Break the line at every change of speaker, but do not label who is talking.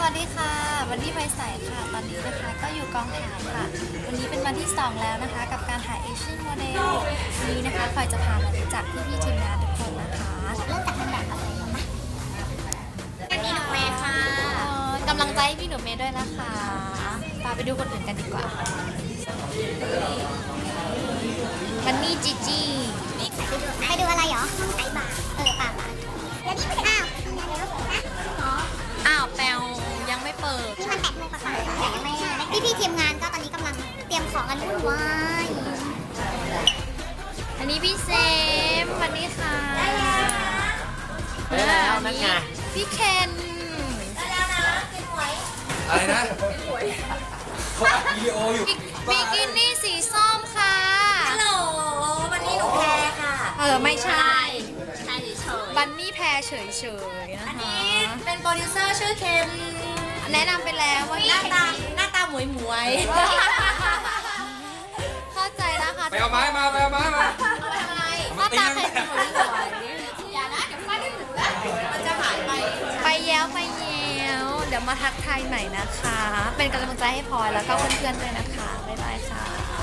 วัสดีค่ะวันนี้ไฟใสค่ะตอนนี้นะคะก็อยู่กองถ่ายค่ะวันนี้เป็นวันที่2แล้วนะคะกับการถ่าย Asian Model วันนี้นะคะพลอยจะพามารู้จักพี่ๆทีมงานทุกคนนะคะเริ่มจากนางแบบอะไรก่อนนะพี่หนูเมย์ค่ะกำลังใจให้พี่หนูเมย์ด้วยนะคะไปดูคนอื่นกันดีกว่าวันนี้จีจีไปดูอะไรเหรอไก่บาป่าแล้วนี่มันอ้าวแปลวยังไม่เปิดนี่มัน8 โมงกว่าแต่ยังไม่พี่ทีมงานก็ตอนนี้กำลังเตรียมของกันวุ่นวายอันนี้พี่เซมสวัสดีค่ะได้แล้วนั่นไงพี่เคนได้แล้วนะกินหวย
อะไรนะเขาอัดวิดีโออยู่
บิกินี่สีส้มค่ะฮัลโหลวันนี้หนูแพรค่ะไม่ใช่เฉยบันนี่แพรเฉยๆนะคะอันนี้เป็นโปรดิวเซอร์ชื่อเคนแนะนำไปแล้วว่าหน้าตาหมวยเข้าใจนะคะ
ไปเอาไม้มาไปเอาไม้มา
หน้าตาใครหมวยอย่านะเดี๋ยวป้าได้หูแล้วมันจะหายไปแย้วเดี๋ยวมาทักทายใหม่นะคะเป็นกำลังใจให้พลอยแล้วก็เพื่อนๆด้วยนะคะบ๊ายบายค่ะ